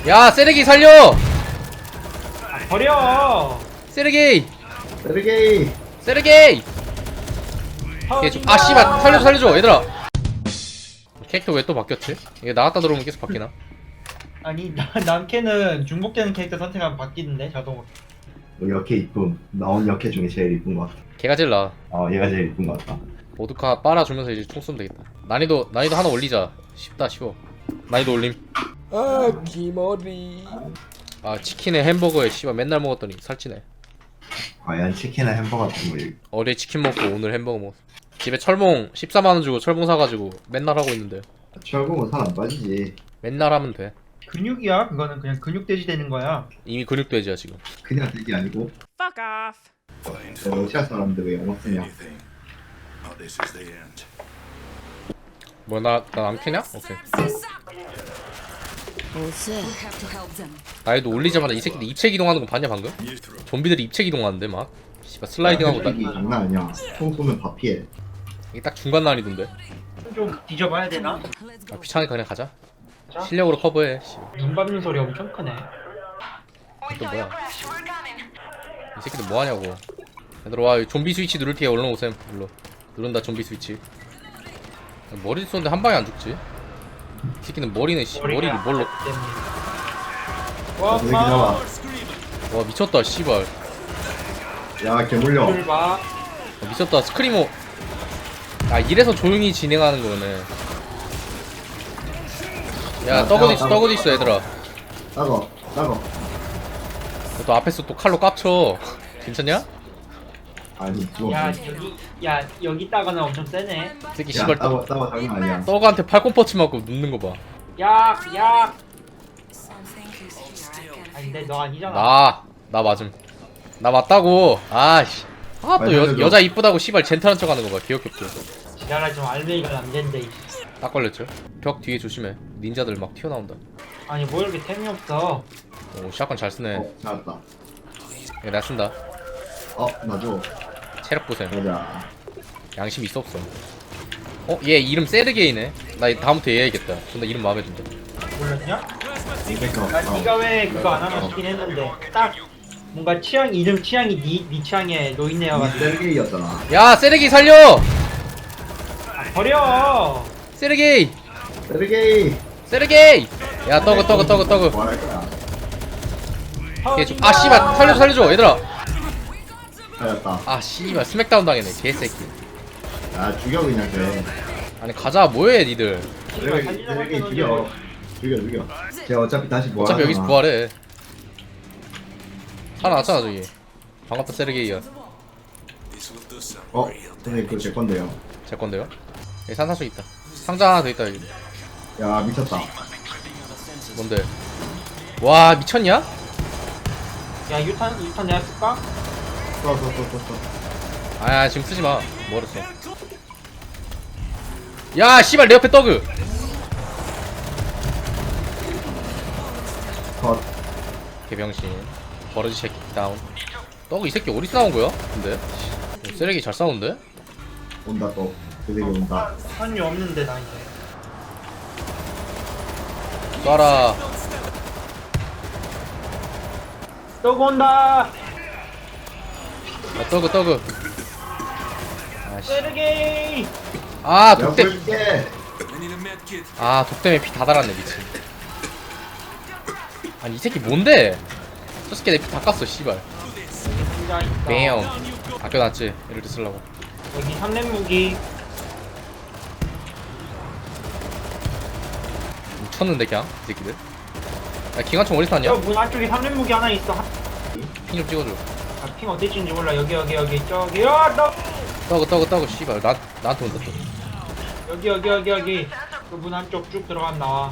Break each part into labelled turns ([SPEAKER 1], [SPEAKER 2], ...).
[SPEAKER 1] 야 세르기 살려.
[SPEAKER 2] 버려.
[SPEAKER 1] 세르기
[SPEAKER 3] 세르게이.
[SPEAKER 1] 세르기. 아 씨발 살려줘 얘들아. 캐릭터 왜 또 바뀌었지? 이게 나갔다 들어오면 계속 바뀌나?
[SPEAKER 2] 아니 남캐는 중복되는 캐릭터 선택하면 바뀌는데 자동으로.
[SPEAKER 3] 역캐 이쁨. 나온 역캐 중에 제일 이쁜 것 같아.
[SPEAKER 1] 걔가 제일 나아.
[SPEAKER 3] 얘가 제일 이쁜 것 같다.
[SPEAKER 1] 보드카 빨아주면서 이제 총 쏘면 되겠다. 난이도 하나 올리자. 쉽다 쉬워. 난이도 올림. 아 기머리. 아 치킨에 햄버거에 씨발 맨날 먹었더니 살찌네.
[SPEAKER 3] 과연 치킨이나 햄버거 같은 거.
[SPEAKER 1] 어제 치킨 먹고 오늘 햄버거 먹었어. 집에 철봉 14만원 주고 철봉 사가지고 맨날 하고 있는데.
[SPEAKER 3] 철봉은 살 안 빠지지.
[SPEAKER 1] 맨날 하면 돼.
[SPEAKER 2] 근육이야. 그거는 그냥 근육돼지 되는 거야.
[SPEAKER 1] 이미 근육돼지야 지금.
[SPEAKER 3] 그냥 되게 아니고.
[SPEAKER 4] Fuck off.
[SPEAKER 3] 러시아 사람들 왜 영어 쓰냐?
[SPEAKER 1] 뭐 나 남캐냐? 오케이. 나이도 올리자마자 이 새끼들 입체 기동하는 거 봤냐 방금? 좀비들이 입체 기동하는데 막 씨발 슬라이딩하고 딱.
[SPEAKER 3] 이게 장난 아니야. 총 쏘면 다 피해.
[SPEAKER 1] 이게 딱 중간 난이던데.
[SPEAKER 2] 좀 뒤져봐야 되나?
[SPEAKER 1] 아 귀찮으니까 그냥 가자. 실력으로 커버해.
[SPEAKER 2] 눈 밟는 소리 엄청 크네.
[SPEAKER 1] 또 뭐야? 이 새끼들 뭐 하냐고. 얘들아 와 좀비 스위치 누를 테에 얼른 오셈. 일로 누른다 좀비 스위치. 머리 쏘는데 한 방에 안 죽지? 이 새끼는 머리는 머리를 뭘로?
[SPEAKER 2] 와,
[SPEAKER 3] 여기 나와.
[SPEAKER 1] 와 미쳤다 씨발.
[SPEAKER 3] 야, 개물려.
[SPEAKER 2] 봐.
[SPEAKER 1] 미쳤다 스크리머. 아 이래서 조용히 진행하는 거네. 야 떡어도 있어 얘들아.
[SPEAKER 3] 따거.
[SPEAKER 1] 또 앞에서 또 칼로 깝쳐. 괜찮냐?
[SPEAKER 3] 아니, 죽어.
[SPEAKER 2] 여기 있다가는 엄청 세네.
[SPEAKER 1] 이 새끼
[SPEAKER 3] 야,
[SPEAKER 1] 씨발
[SPEAKER 3] 따거 장난 아니야.
[SPEAKER 1] 떡한테 팔꿈퍼치 맞고 눕는 거 봐.
[SPEAKER 2] 야. 아니 근데 너 아니잖아.
[SPEAKER 1] 나 맞음. 나 맞다고. 아씨. 아 또 여자 이쁘다고 씨발 젠틀한 척하는 거 봐. 귀엽게.
[SPEAKER 2] 지랄하지 좀 알맹이가 안 된대.
[SPEAKER 1] 딱 걸렸죠? 벽 뒤에 조심해. 닌자들 막 튀어나온다.
[SPEAKER 2] 아니 뭐 이렇게 템이 없어.
[SPEAKER 1] 오 샷건 잘 쓰네.
[SPEAKER 3] 잘했다.
[SPEAKER 1] 야, 내가 쓴다.
[SPEAKER 3] 나 줘.
[SPEAKER 1] 체력 보셈.
[SPEAKER 3] 가자.
[SPEAKER 1] 양심 있어 없어? 얘 이름 세르게이네. 나 다음부터 얘 해야겠다. 근데 이름 마음에 든다.
[SPEAKER 2] 몰랐냐?
[SPEAKER 3] 그러니까.
[SPEAKER 2] 네가 왜 그거 안 하나 싶긴 했는데 딱 뭔가 이름 취향이 네 취향에 노인네여가지고.
[SPEAKER 3] 세르게이였잖아.
[SPEAKER 1] 야 세르게이 살려!
[SPEAKER 2] 버려.
[SPEAKER 1] 세르게이!
[SPEAKER 3] 세르게이.
[SPEAKER 1] 야 떡어.
[SPEAKER 3] 뭐 할 거야?
[SPEAKER 1] 아 씨발 살려줘 얘들아.
[SPEAKER 3] 살렸다.
[SPEAKER 1] 아 씨발 스맥다운 당했네 개새끼.
[SPEAKER 3] 야, 죽여 그냥 돼.
[SPEAKER 1] 아니 가자 뭐해 니들.
[SPEAKER 3] 세르게이 죽여. 쟤 어차피 다시 뭐
[SPEAKER 1] 어차피 여기서 부활해. 살아났잖아 저기. 반갑다 세르게이야.
[SPEAKER 3] 선생님 그거 제 건데요.
[SPEAKER 1] 제 건데요? 여기 산사수 있다. 상자 하나 더 있다 여기.
[SPEAKER 3] 야, 미쳤다.
[SPEAKER 1] 뭔데? 와 미쳤냐?
[SPEAKER 2] 야 유탄 내가 쓸까?
[SPEAKER 3] 써.
[SPEAKER 1] 아야 지금 쓰지마. 멀었어. 야 씨발 내 옆에 떡그.
[SPEAKER 3] 컷.
[SPEAKER 1] 개병신. 버러지 새끼 다운. 떡그 이 새끼 어디서 나온 거야? 근데 쓰레기 잘 싸우는데?
[SPEAKER 3] 온다 또. 그 새끼 온다.
[SPEAKER 2] 한유 없는데 나 이제.
[SPEAKER 1] 쏴라.
[SPEAKER 2] 또 온다.
[SPEAKER 1] 야 떡그. 아씨.
[SPEAKER 2] 세르게이.
[SPEAKER 1] 아
[SPEAKER 3] 내가
[SPEAKER 1] 독대.
[SPEAKER 3] 보여줄게.
[SPEAKER 1] 아 독대에 피 다 달았네 미친. 아니 이 새끼 뭔데? 저 새끼 내 피 다 깠어 씨발.
[SPEAKER 2] 진짜 있다.
[SPEAKER 1] 매형. 아껴놨지 이럴 때 쓰려고.
[SPEAKER 2] 여기 3렙 무기.
[SPEAKER 1] 미쳤는데 그냥 이 새끼들. 야 기관총 어디서 났냐?
[SPEAKER 2] 문 안쪽에 3렙 무기 하나 있어.
[SPEAKER 1] 핑 좀 찍어줘.
[SPEAKER 2] 핑 어디 찍는지 몰라. 여기 저기. 야 너.
[SPEAKER 1] 떡그 씨발 나한테 온다 또.
[SPEAKER 2] 여기. 그 문 안쪽 쭉 들어가면 나와.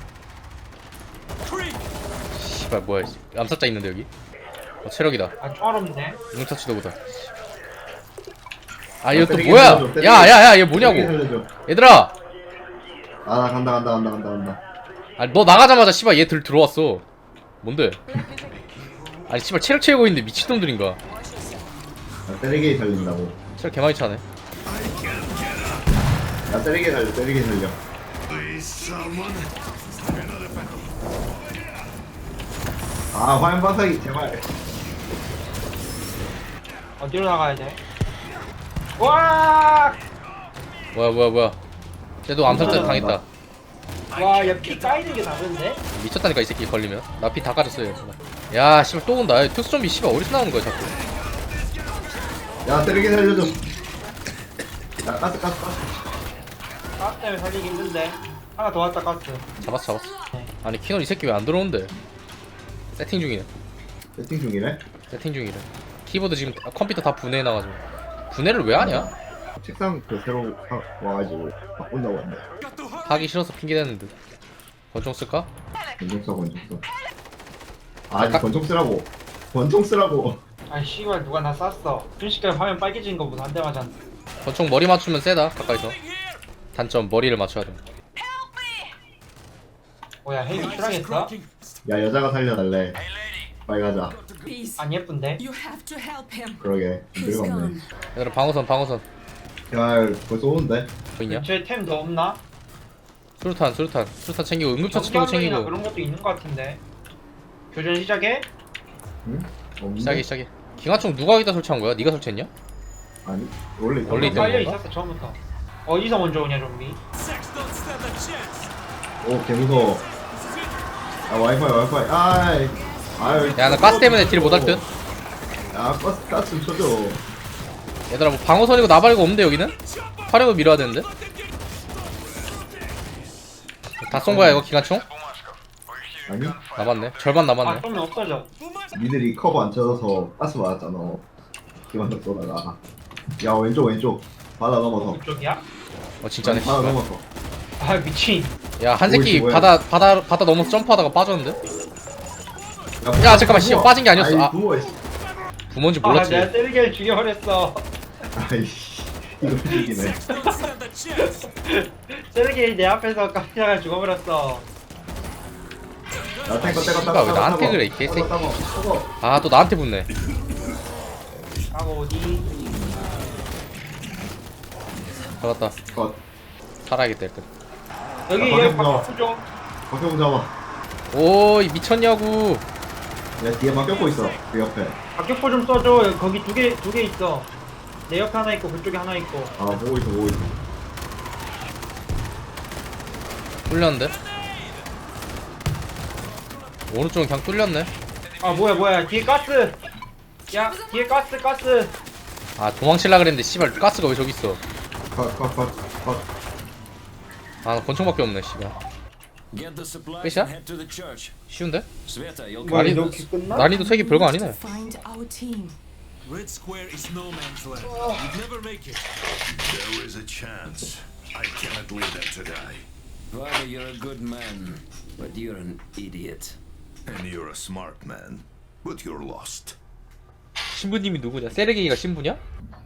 [SPEAKER 1] 씨발 뭐야 암살자 있는데 여기. 체력이다.
[SPEAKER 2] 아 총알 없네.
[SPEAKER 1] 융터치도 보다. 아 이거 또 뭐야? 야얘 뭐냐고. 얘들아.
[SPEAKER 3] 나 간다.
[SPEAKER 1] 아니 너 나가자마자 씨발 얘 들어왔어. 뭔데? 아니 씨발 체력 채우고 있는데 미친놈들인가.
[SPEAKER 3] 세르게이 살린다고.
[SPEAKER 1] 체력 개많이 차네.
[SPEAKER 3] 야, 세르게이 살려. 아 화염 반사기 제발.
[SPEAKER 2] 어디로 나가야 돼? 와!
[SPEAKER 1] 뭐야 쟤도 암살자 당했다.
[SPEAKER 2] 와, 야, 피 까이는 게 다른데?
[SPEAKER 1] 미쳤다니까 이 새끼 걸리면. 나 피 다 까졌어요. 야 씨발 또 온다. 야, 특수 좀비 씨발 어디서 나오는 거야 자꾸.
[SPEAKER 3] 야 때리게 살려줘. 야 가스.
[SPEAKER 2] 가스 때문에 살리기 힘든데. 하나 더 왔다, 가스.
[SPEAKER 1] 잡았어. 아니 키널 이 새끼 왜 안 들어오는데? 세팅 중이네.
[SPEAKER 3] 세팅 중이네.
[SPEAKER 1] 세팅 중이래. 키보드 지금 컴퓨터 다 분해해놔가지고. 분해를 왜 하냐?
[SPEAKER 3] 책상 그 새로 와가지고 바꾼다고 한대.
[SPEAKER 1] 하기 싫어서 핑계대는데. 권총 쓸까?
[SPEAKER 3] 권총 써. 아니 권총 쓰라고. 권총 쓰라고.
[SPEAKER 2] 아이, 씨발, 누가 나 쐈어. 순식간에 화면 빨개진 거보다 한 대 맞았네.
[SPEAKER 1] 권총 머리 맞추면 세다 가까이서. 단점 머리를 맞춰야 돼.
[SPEAKER 2] 뭐야, 헬기 출항했어?
[SPEAKER 3] 야 여자가 살려달래. 빨리 가자.
[SPEAKER 5] Peace.
[SPEAKER 2] 안 예쁜데?
[SPEAKER 5] You have to help him.
[SPEAKER 3] 그러게
[SPEAKER 5] He's
[SPEAKER 3] 늙었네.
[SPEAKER 5] gone.
[SPEAKER 1] 얘들아 방어선
[SPEAKER 3] 야 벌써 오는데.
[SPEAKER 1] 보이냐?
[SPEAKER 2] 근처에 템 더 없나?
[SPEAKER 1] 수류탄 챙기고 응급처치 도구
[SPEAKER 2] 정경이나
[SPEAKER 1] 챙기고.
[SPEAKER 2] 그런 것도 있는 것 같은데. 교전 시작해?
[SPEAKER 3] 응? 없는데?
[SPEAKER 1] 시작해. 기관총 누가 여기다 설치한 거야? 네가 설치했냐?
[SPEAKER 3] 아니 원래 있던
[SPEAKER 1] 원래
[SPEAKER 3] 거.
[SPEAKER 1] 있던
[SPEAKER 2] 빨려
[SPEAKER 1] 건가?
[SPEAKER 2] 있었어 처음부터. 어디서 먼저 오냐 좀비?
[SPEAKER 3] 오 개무서워. 야 와이파이. 아유.
[SPEAKER 1] 야 나 가스 때문에 딜 못할 듯?
[SPEAKER 3] 야 가스 좀 쳐줘.
[SPEAKER 1] 얘들아 뭐 방어선이고 나발이고 없는데 여기는? 화력을 밀어야 되는데? 다 쏜 거야 이거 기관총?
[SPEAKER 3] 아니
[SPEAKER 1] 남았네. 절반
[SPEAKER 2] 아
[SPEAKER 1] 남았네.
[SPEAKER 2] 쏘면 없어져.
[SPEAKER 3] 니들이 커버 안 쳐서 가스 맞았잖아. 기만적 쏘다가. 야 왼쪽. 바다 넘어서.
[SPEAKER 2] 그쪽이야?
[SPEAKER 1] 어 진짜네.
[SPEAKER 3] 바다 넘어서.
[SPEAKER 2] 아 미친.
[SPEAKER 1] 야 한 새끼
[SPEAKER 3] 뭐야.
[SPEAKER 1] 바다 넘어서 점프하다가 빠졌는데? 야, 잠깐만, 씨발, 빠진 게 아니었어. 아.
[SPEAKER 3] 부어 씨.
[SPEAKER 1] 부모인지
[SPEAKER 2] 아
[SPEAKER 1] 몰랐지.
[SPEAKER 2] 내가 때리게 죽여버렸어.
[SPEAKER 3] 아이씨 이거 죽이네.
[SPEAKER 2] 때리게 내 앞에서 깜짝이야 죽어버렸어.
[SPEAKER 3] 나 탱커
[SPEAKER 1] 씨발, 왜 나한테 그래, 이 개새끼. 아 또 나한테 붙네.
[SPEAKER 2] 하고 어디?
[SPEAKER 1] 잡았다.
[SPEAKER 3] 컷.
[SPEAKER 1] 살아야겠다 일단.
[SPEAKER 2] 여기
[SPEAKER 3] 야,
[SPEAKER 2] 얘
[SPEAKER 3] 방금
[SPEAKER 2] 바퀴 좀.
[SPEAKER 3] 박형 잡아.
[SPEAKER 1] 오이 미쳤냐고.
[SPEAKER 3] 야 뒤에 막 껴고 있어. 그 옆에.
[SPEAKER 2] 박격포 좀 써줘. 거기 두 개 있어. 내 옆에 하나 있고 그쪽에 하나 있고.
[SPEAKER 3] 아 보고 있어.
[SPEAKER 1] 뚫렸는데? 오른쪽은 그냥 뚫렸네.
[SPEAKER 2] 아 뭐야 뒤에 가스. 야 뒤에 가스.
[SPEAKER 1] 아 도망칠라 그랬는데 씨발 가스가 왜 저기 있어.
[SPEAKER 3] 컷.
[SPEAKER 1] 아 권총밖에 없네 씨발.
[SPEAKER 6] Get the supplies
[SPEAKER 1] 끝이야?
[SPEAKER 6] and head to the church.
[SPEAKER 1] 쉬운데?
[SPEAKER 6] Sveta, you'll
[SPEAKER 2] 뭐야
[SPEAKER 1] 난이도-
[SPEAKER 2] 이렇게 끝나?
[SPEAKER 1] 난이도 색이 별거 아니네.
[SPEAKER 5] Find our team.
[SPEAKER 7] Red Square is no man's land. You'd never make it.
[SPEAKER 8] There is a chance. I cannot leave them to die.
[SPEAKER 6] Father, you're a good man, but you're an idiot.
[SPEAKER 8] And you're a smart man, but you're lost.
[SPEAKER 1] 신부님이 누구냐? 세르게이가 신부냐?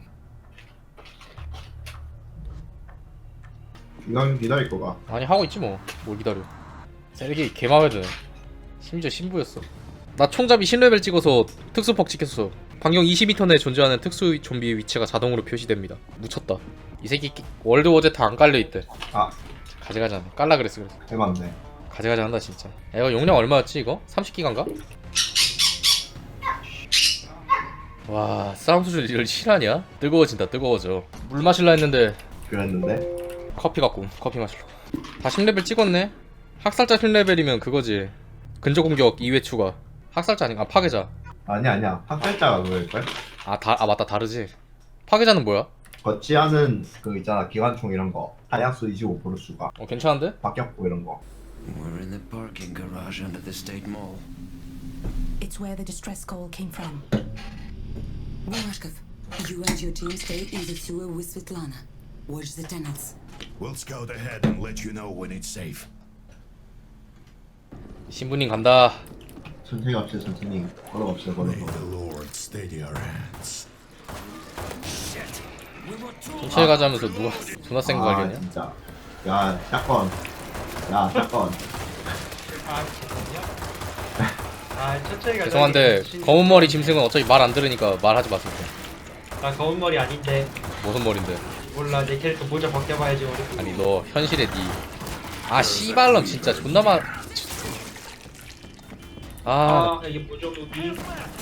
[SPEAKER 3] 이강 기다릴 거가.
[SPEAKER 1] 아니 하고 있지 뭐. 뭘 기다려. 세르게이 개마음에 드네. 심지어 신부였어. 나 총잡이 신레벨 찍어서 특수퍽 찍혔어. 반경 20m 내에 존재하는 특수 좀비의 위치가 자동으로 표시됩니다. 묻혔다. 이 새끼 월드 워제트 안 깔려있대.
[SPEAKER 3] 아
[SPEAKER 1] 가져가자. 깔라 그랬어.
[SPEAKER 3] 해봤네.
[SPEAKER 1] 가져가자 한다 진짜. 야, 이거 용량 얼마였지 이거? 30기가인가? 와 싸움 수준 이걸 실화냐? 뜨거워진다 뜨거워져. 물 마실라 했는데
[SPEAKER 3] 그랬는데.
[SPEAKER 1] 커피 갖고 커피 마실러. 다 10레벨 찍었네. 학살자 10레벨이면 그거지. 근접 공격 2회 추가. 학살자 아닌가? 아, 파괴자.
[SPEAKER 3] 아니야. 학살자가 그럴걸?
[SPEAKER 1] 아 맞다 다르지. 파괴자는 뭐야?
[SPEAKER 3] 거치하는 그 있잖아 기관총 이런 거. 탄약수 25% 추가.
[SPEAKER 1] 괜찮은데?
[SPEAKER 3] 박격포 이런 거.
[SPEAKER 6] We're in the parking garage under the State Mall.
[SPEAKER 5] It's where the distress call came from. Murashkov, you and your team stay in the sewer with Svetlana. Watch the tunnels.
[SPEAKER 8] We'll scout ahead and let you know when it's safe.
[SPEAKER 1] 신부님 간다.
[SPEAKER 3] 천천히 갑시다 천천히. 걸어갑시다 걸어서.
[SPEAKER 8] May the Lord steady our hands.
[SPEAKER 1] 천천히 가자면서 누가 존나 센 거
[SPEAKER 3] 아
[SPEAKER 1] 관련이야?
[SPEAKER 3] 진짜. 야 샷건. 야 샷건.
[SPEAKER 2] 아 진짜? 아 천천히 가자.
[SPEAKER 1] 죄송한데 검은 머리 짐승은 어차피 말 안 들으니까 말하지 마세요.
[SPEAKER 2] 나 검은 머리 아닌데.
[SPEAKER 1] 무슨 머리인데?
[SPEAKER 2] 몰라 내 캐릭터 모자 벗겨봐야지 우리.
[SPEAKER 1] 아니 너 현실의 니. 아 씨발놈 진짜 존나 아,
[SPEAKER 2] 이게 뭐죠 무기?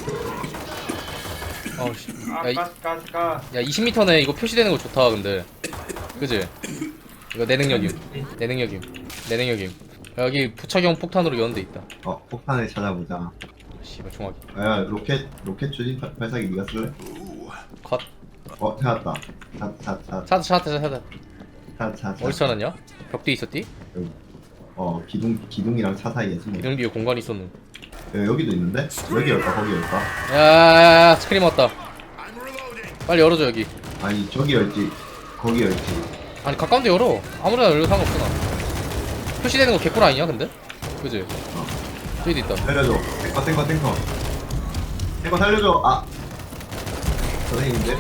[SPEAKER 1] 씨.
[SPEAKER 2] 아
[SPEAKER 1] 야,
[SPEAKER 2] 가스.
[SPEAKER 1] 야 20m네. 이거 표시되는 거 좋다 근데. 그지? 이거 내 능력임. 내 능력임. 여기 부착용 폭탄으로 연 데 있다.
[SPEAKER 3] 폭탄을 찾아보자.
[SPEAKER 1] 씨발 총알이.
[SPEAKER 3] 야, 로켓 추진 발사기 네가 쓸래?
[SPEAKER 1] 컷.
[SPEAKER 3] 찾았다.
[SPEAKER 1] 찾았다.
[SPEAKER 3] 찾았다.
[SPEAKER 1] 어디서 찾았냐? 벽 뒤에 있었디?
[SPEAKER 3] 기둥이랑 차 사이에 숨어.
[SPEAKER 1] 기둥 뒤에 공간이 있었노.
[SPEAKER 3] 야, 여기도 있는데? 여기 열까? 거기 열까?
[SPEAKER 1] 야, 스크림 왔다. 빨리 열어줘 여기.
[SPEAKER 3] 아니, 저기 열지. 거기 열지.
[SPEAKER 1] 아니 가까운 데 열어. 아무데나 열려 상관없어 나. 표시되는 거 개꿀 아니냐 근데? 그지? 저기도 있다.
[SPEAKER 3] 살려줘. 탱커. 탱커 살려줘. 아. 선생님인데?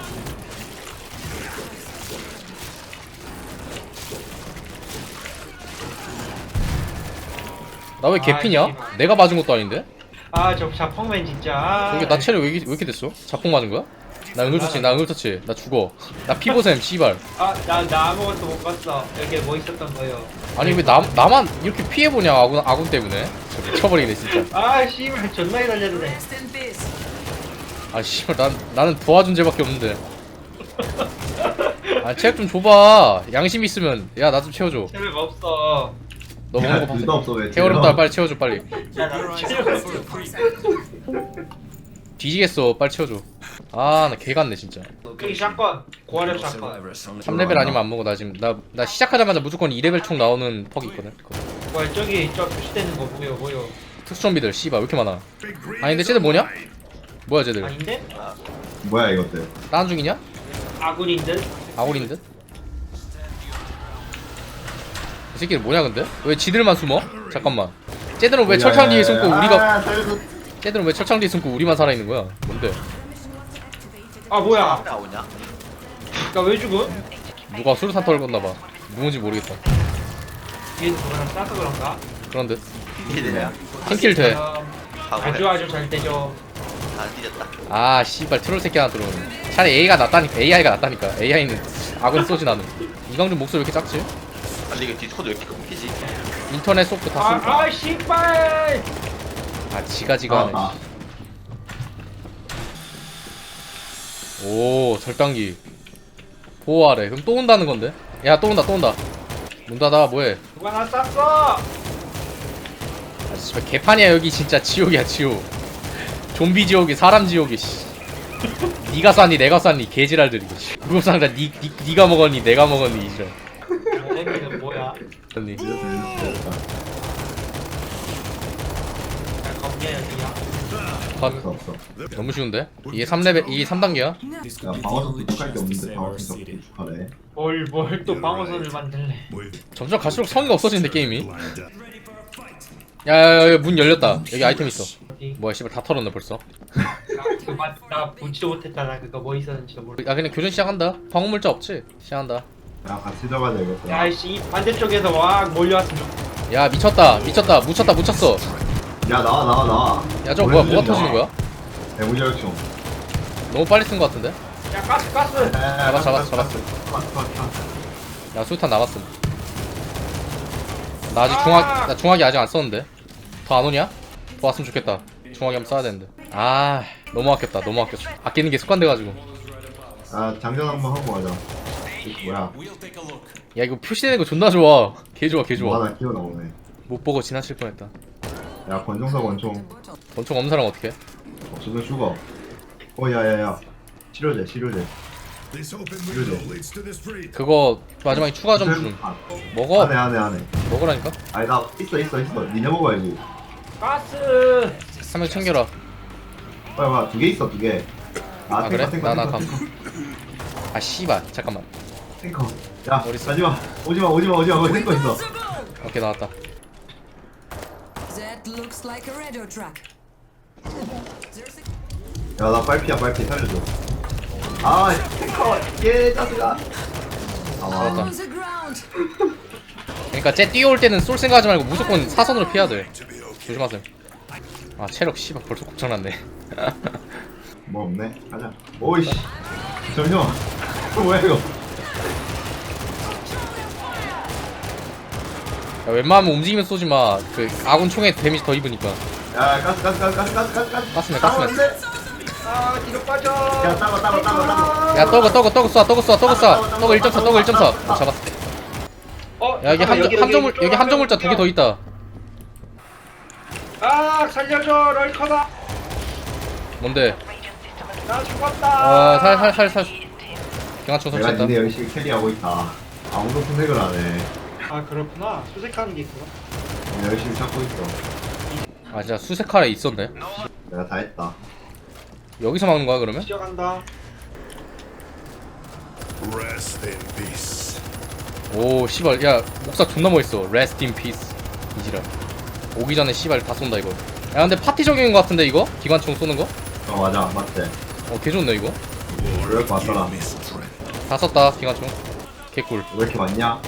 [SPEAKER 1] 나 왜 개피냐? 내가 맞은 것도 아닌데?
[SPEAKER 2] 아저 자펑맨 진짜.
[SPEAKER 1] 저기 나 체력 왜 이렇게 됐어? 자폭 맞은 거야? 나 응급처치 나 죽어. 나 피보셈 씨발.
[SPEAKER 2] 나 아무것도 못 봤어. 여기 뭐 있었던 거예요.
[SPEAKER 1] 아니 왜 나만 이렇게 피해보냐 아군 때문에. 저 미쳐버리네 진짜.
[SPEAKER 2] 아 씨발 존나 기다렸네.
[SPEAKER 1] 아 씨발 나는 도와준 죄밖에 없는데. 아 체력 좀 줘봐. 양심 있으면 야 나 좀 채워줘.
[SPEAKER 2] 체력 없어.
[SPEAKER 1] 너 먹는 거
[SPEAKER 3] 둘다
[SPEAKER 1] 봤어?
[SPEAKER 3] 없어 왜?
[SPEAKER 1] 게으름다 빨리 채워줘 빨리.
[SPEAKER 2] 야나 체력 없어.
[SPEAKER 1] 뒤지겠어 빨리 채워줘. 아 나 개같네 진짜.
[SPEAKER 2] 여기 샷건. 고화력 샷건.
[SPEAKER 6] Survivors only
[SPEAKER 1] 3레벨 아니면 안 먹어. 나 지금 나 시작하자마자 무조건 2레벨 총 나오는 퍽이 있거든. 그거.
[SPEAKER 2] 뭐야 저기 저 표시되는 거 뭐요?
[SPEAKER 1] 특수 좀비들 씨발 왜 이렇게 많아? 아니 근데 쟤들 뭐냐? 뭐야 쟤들?
[SPEAKER 2] 아닌데?
[SPEAKER 3] 뭐야 이것들?
[SPEAKER 1] 다운 중이냐?
[SPEAKER 2] 아군인 듯?
[SPEAKER 1] 아군인 듯? 이 새끼들 뭐냐 근데? 왜 지들만 숨어? 잠깐만. 쟤들은 왜 철창 뒤에 숨고 우리가
[SPEAKER 3] 살려줘.
[SPEAKER 1] 쟤들은 왜 철창 뒤에 숨고 우리만 살아있는 거야? 뭔데?
[SPEAKER 2] 아 뭐야? 나 왜 죽어?
[SPEAKER 1] 누가 수류탄 털었나봐. 누군지 모르겠다.
[SPEAKER 2] 뒤에서 누구랑 싸서 그런가?
[SPEAKER 1] 그런 듯.
[SPEAKER 9] 이래야
[SPEAKER 1] 팀킬 돼.
[SPEAKER 2] 아주 잘 되죠.
[SPEAKER 9] 안 뒤졌다.
[SPEAKER 1] 아 씨발 트롤 새끼 하나 들어오네. 차라리 AI가 낫다니까. AI는 아군 쏘지 나는. 이강준 목소리 왜 이렇게 작지?
[SPEAKER 9] 근데 이거 디스코드 왜 이렇게 끊기지?
[SPEAKER 1] 인터넷 소프트 다 쏠까?
[SPEAKER 2] 아 씨발!
[SPEAKER 1] 아 지가 하네.
[SPEAKER 3] 아.
[SPEAKER 1] 오 절단기 보호하래. 그럼 또 온다는 건데? 야 또 온다. 문 닫아 뭐해?
[SPEAKER 2] 누가 나 쐈어?
[SPEAKER 1] 아 씨발 개판이야 여기 진짜 지옥이야 지옥. 좀비 지옥이 사람 지옥이 씨. 니가 쐈니 내가 쐈니 개지랄들이고 씨. 구급상자 니가 먹었니 내가 먹었니 이제.
[SPEAKER 2] 얘는 뭐야?
[SPEAKER 1] 언니.
[SPEAKER 2] 겁냐 여기야?
[SPEAKER 3] 없어.
[SPEAKER 1] 너무 쉬운데? 이게 3레벨 이게 3단계야?
[SPEAKER 7] This
[SPEAKER 3] 야
[SPEAKER 7] could be the
[SPEAKER 3] 방어석도
[SPEAKER 7] only
[SPEAKER 3] 부족할 게
[SPEAKER 7] chance to
[SPEAKER 3] 없는데
[SPEAKER 7] save our
[SPEAKER 3] 방어석도
[SPEAKER 7] city.
[SPEAKER 3] 부족하네.
[SPEAKER 2] 뭘 또 방어선을 만들래?
[SPEAKER 1] 점점 갈수록 성의가 없어지는데 게임이. 야야야 문 열렸다. 여기 아이템 있어.
[SPEAKER 2] 어디?
[SPEAKER 1] 뭐야 씨발 다 털었네 벌써.
[SPEAKER 2] 나 보지도 못했잖아. 그거 뭐 있었는지도 모르.
[SPEAKER 1] 야 그냥 교전 시작한다. 방어물자 없지? 시작한다.
[SPEAKER 3] 야 같이 들어가자 이것도.
[SPEAKER 2] 야이씨 반대쪽에서 와 몰려왔으면
[SPEAKER 1] 야 미쳤다 묻혔어.
[SPEAKER 3] 야 나와.
[SPEAKER 1] 야 저거 뭐가 터지는 거야?
[SPEAKER 3] 대무절충.
[SPEAKER 1] 너무 빨리 쓴 거 같은데?
[SPEAKER 2] 야 가스!
[SPEAKER 1] 잡았어. 야 수류탄 나갔음. 나 아직 나 중화기 아직 안 썼는데. 더 안 오냐? 더 왔으면 좋겠다. 중화기 한번 써야 되는데. 아 너무 아꼈다. 아끼는 게 습관돼가지고.
[SPEAKER 3] 아 장전 한번 하고 가자. 이거 뭐야?
[SPEAKER 7] We'll take a look.
[SPEAKER 1] 야 이거 표시되는 거 존나 좋아. 개 좋아.
[SPEAKER 3] 뭐 하나 끼워 나오네.
[SPEAKER 1] 못 보고 지나칠 뻔했다.
[SPEAKER 3] 야 권총사 권총.
[SPEAKER 1] 권총 없는 사람 어떡해?
[SPEAKER 3] 없으면 죽어. 야야야. 치료제.
[SPEAKER 8] This open window leads to the street.
[SPEAKER 1] 그거 마지막에 추가 점수 좀
[SPEAKER 3] 아,
[SPEAKER 1] 먹어.
[SPEAKER 3] 안해.
[SPEAKER 1] 먹으라니까?
[SPEAKER 3] 아니 나 있어. 니네 먹어야지.
[SPEAKER 2] 가스!
[SPEAKER 1] 한 명 챙겨라.
[SPEAKER 3] 빨리 2개 있어 2개.
[SPEAKER 1] 아 그래?
[SPEAKER 3] 탱커.
[SPEAKER 1] 나 감. 아 씨발 잠깐만.
[SPEAKER 3] 탱커. 야
[SPEAKER 1] 어디 있어?
[SPEAKER 3] 가지마. 오지마. 거기 탱커 있어.
[SPEAKER 1] 오케이 나왔다.
[SPEAKER 5] That looks like a radio track. There's a
[SPEAKER 3] 야 나 빨피야 살려줘. 아 탱커 얘 짜증나.
[SPEAKER 1] 잡았다.
[SPEAKER 5] on the ground.
[SPEAKER 1] 그러니까 쟤 뛰어올 때는 쏠 생각하지 말고 무조건 사선으로 피해야 돼. 조심하세요. 아 체력 씨발 벌써 고장났네.
[SPEAKER 3] 뭐 없네. 가자. 오이씨. 잠시만. 뭐야 이거?
[SPEAKER 1] 야, 웬만하면 움직이면 쏘지 마. 그 아군 총에 데미지 더 입으니까.
[SPEAKER 3] 야 가스.
[SPEAKER 1] 가스맨.
[SPEAKER 2] 아 뒤로 빠져.
[SPEAKER 3] 야 따고.
[SPEAKER 1] 야 떡을 쏴. 떡을 1.4. 떡을 1.4. 잡았어. 야 여기 함정물자 2개 더 있다.
[SPEAKER 2] 아 살려줘 럴커다.
[SPEAKER 1] 뭔데?
[SPEAKER 2] 나 죽었다.
[SPEAKER 1] 살. 경화총
[SPEAKER 3] 내가
[SPEAKER 1] 설치했다.
[SPEAKER 3] 니네 열심히 캐리하고 있다. 아무도 선택을 안 해.
[SPEAKER 2] 아 그렇구나. 수색하는 게 있구나.
[SPEAKER 3] 내가 열심히 찾고 있어.
[SPEAKER 1] 아 진짜 수색칼에 있었네.
[SPEAKER 3] 내가 다 했다.
[SPEAKER 1] 여기서 막는 거야 그러면?
[SPEAKER 2] 시작한다.
[SPEAKER 8] Rest in peace.
[SPEAKER 1] 오 씨발 야 목사 존나 멋있어. Rest in peace. 이지랄. 오기 전에 씨발 다 쏜다 이거. 야 근데 파티적인 거 같은데 이거? 기관총 쏘는 거?
[SPEAKER 3] 맞아 맞지.
[SPEAKER 1] 개좋네 이거.
[SPEAKER 3] 그럴 것 같더라.
[SPEAKER 1] 다 썼다 기관총. 개꿀.
[SPEAKER 3] 왜 이렇게 많냐?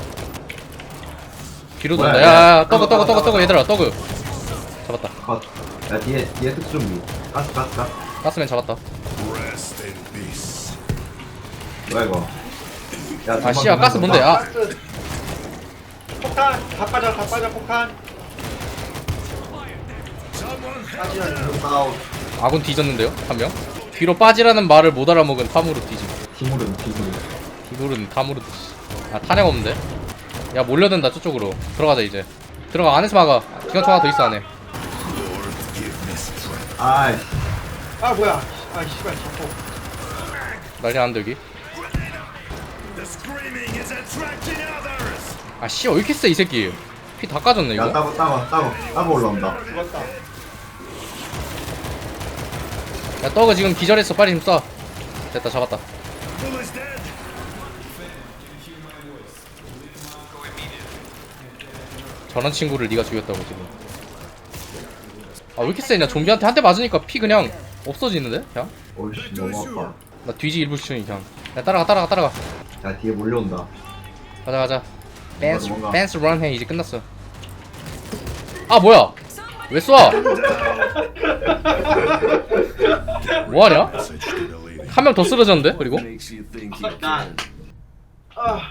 [SPEAKER 1] 뒤로
[SPEAKER 3] 뭐야,
[SPEAKER 1] 돈다.
[SPEAKER 3] 야.
[SPEAKER 1] 야 떡그 얘들아 떡그. 잡았다.
[SPEAKER 3] 컷. 야 뒤에 특수미. 가스.
[SPEAKER 1] 가스맨 잡았다.
[SPEAKER 8] Rest in peace.
[SPEAKER 3] 뭐야 이거? 야
[SPEAKER 1] 아 씨야 가스 뭔데? 아
[SPEAKER 2] 가스. 폭탄 다 빠져 폭탄. 빠지라.
[SPEAKER 3] 다운.
[SPEAKER 1] 아군 뒤졌는데요 한 명. 뒤로 빠지라는 말을 못 알아먹은 탐으로 뒤짐.
[SPEAKER 3] 티물은.
[SPEAKER 1] 이거는 탐으로 뒤지. 아 탄약 없는데? 야 몰려든다 저쪽으로. 들어가자 이제. 들어가 안에서 막아. 기관총 하나 더 있어 안에.
[SPEAKER 3] 아이씨.
[SPEAKER 2] 아 뭐야. 아 씨발 자꾸.
[SPEAKER 1] 난리 났는데 여기.
[SPEAKER 8] The screaming is attracting others.
[SPEAKER 1] 아 씨 왜 이렇게 세 이 새끼. 피 다 까졌네
[SPEAKER 3] 야
[SPEAKER 1] 이거.
[SPEAKER 3] 따고 올라온다.
[SPEAKER 2] 죽었다.
[SPEAKER 1] 야 떡은 지금 기절했어. 빨리 좀 쏴. 됐다 잡았다.
[SPEAKER 8] Bull is dead.
[SPEAKER 1] 저런 친구를 네가 죽였다고 지금. 아 왜 이렇게 세냐. 좀비한테 한 대 맞으니까 피 그냥 없어지는데? 그냥?
[SPEAKER 3] 오이씨 너무 아파.
[SPEAKER 1] 나 뒤지 일부 시청이 그냥. 야 따라가.
[SPEAKER 3] 야 뒤에 몰려온다.
[SPEAKER 1] 가자.
[SPEAKER 3] 도망가.
[SPEAKER 1] 댄스 런 해. 이제 끝났어. 아 뭐야? 왜 쏴? 뭐하냐?
[SPEAKER 8] Message to the leader.
[SPEAKER 1] 한 명 더 쓰러졌는데? 그리고
[SPEAKER 6] Makes you think you can.
[SPEAKER 2] 아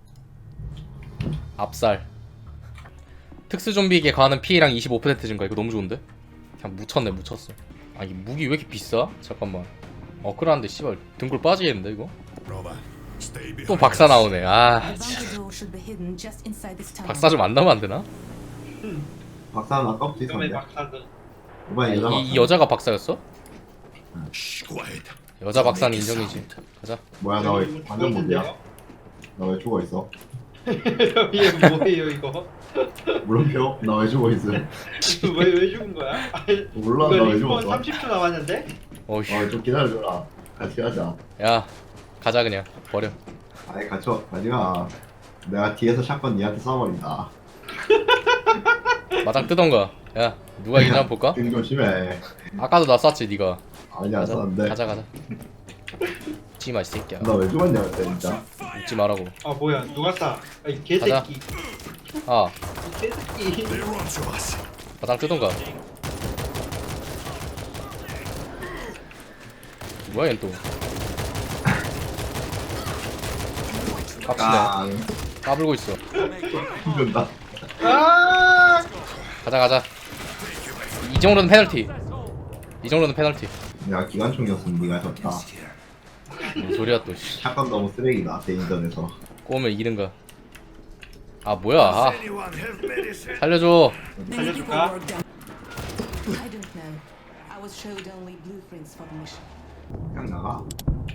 [SPEAKER 1] 압살. 특수 좀비에게 가하는 피해량 25% 증가. 이거 너무 좋은데? 그냥 묻혔어. 아 이 무기 왜 이렇게 비싸? 잠깐만. 끌었는데 씨발 등골 빠지겠는데 이거?
[SPEAKER 8] Nova, stay behind.
[SPEAKER 1] 또 박사 나오네. 아
[SPEAKER 5] The bunker door should be hidden just inside this tunnel.
[SPEAKER 1] 박사 좀 안 나오면 안 되나?
[SPEAKER 3] 박사는 아까부터
[SPEAKER 2] 위험해
[SPEAKER 3] 있었는데.
[SPEAKER 2] 박사들.
[SPEAKER 3] 이번에 여자
[SPEAKER 1] 이 여자가 박사였어?
[SPEAKER 8] Shh, quiet.
[SPEAKER 1] 여자 박사는 인정이지. 가자.
[SPEAKER 3] 뭐야 나 왜 완전 못이야? 나 왜 죽어 있어?
[SPEAKER 2] 이게 뭐예요 이거?
[SPEAKER 3] 물음표? 나 왜 죽어 있어?
[SPEAKER 2] 왜 죽은 거야?
[SPEAKER 3] 몰라
[SPEAKER 2] 이거
[SPEAKER 3] 나 왜
[SPEAKER 2] 리스폰
[SPEAKER 3] 죽었어?
[SPEAKER 2] 30초 남았는데?
[SPEAKER 1] 어휴.
[SPEAKER 3] 좀 기다려줘라. 같이 가자.
[SPEAKER 1] 야 가자 그냥. 버려.
[SPEAKER 3] 아니 가지마. 내가 뒤에서 샷건 니한테 쏴버린다.
[SPEAKER 1] 마당 뜨던가. 야 누가 이긴지 한번 볼까?
[SPEAKER 3] 등 조심해.
[SPEAKER 1] 아까도 나 쐈지 니가.
[SPEAKER 3] 아니 안 쐈는데.
[SPEAKER 1] 가자. 웃지마 이 새끼야.
[SPEAKER 3] 나 왜 죽었냐 그때 진짜.
[SPEAKER 1] 웃지 말라고.
[SPEAKER 2] 아 뭐야 누가 쏴? 아, 이 개새끼.
[SPEAKER 1] 가자. 아
[SPEAKER 2] 이 개새끼.
[SPEAKER 8] They run to us.
[SPEAKER 1] 마당 뜨던가. 뭐야 얜 또. 깝치네. 까불고 있어.
[SPEAKER 3] 힘든다.
[SPEAKER 2] 아
[SPEAKER 1] 가자. 이 정도는 페널티.
[SPEAKER 3] 내가 기관총이었으면 네가 졌다.
[SPEAKER 1] 뭔 소리야 또. 씨.
[SPEAKER 3] 샷건 너무 쓰레기다 대인전에서.
[SPEAKER 1] 꼬우면 이기는가. 아 뭐야. 아,
[SPEAKER 8] Anyone have medicine?
[SPEAKER 1] 살려줘.
[SPEAKER 5] Many people
[SPEAKER 2] 살려줄까?
[SPEAKER 5] work down. I don't know. I was showed only blueprints for the mission.
[SPEAKER 3] 그냥 나가.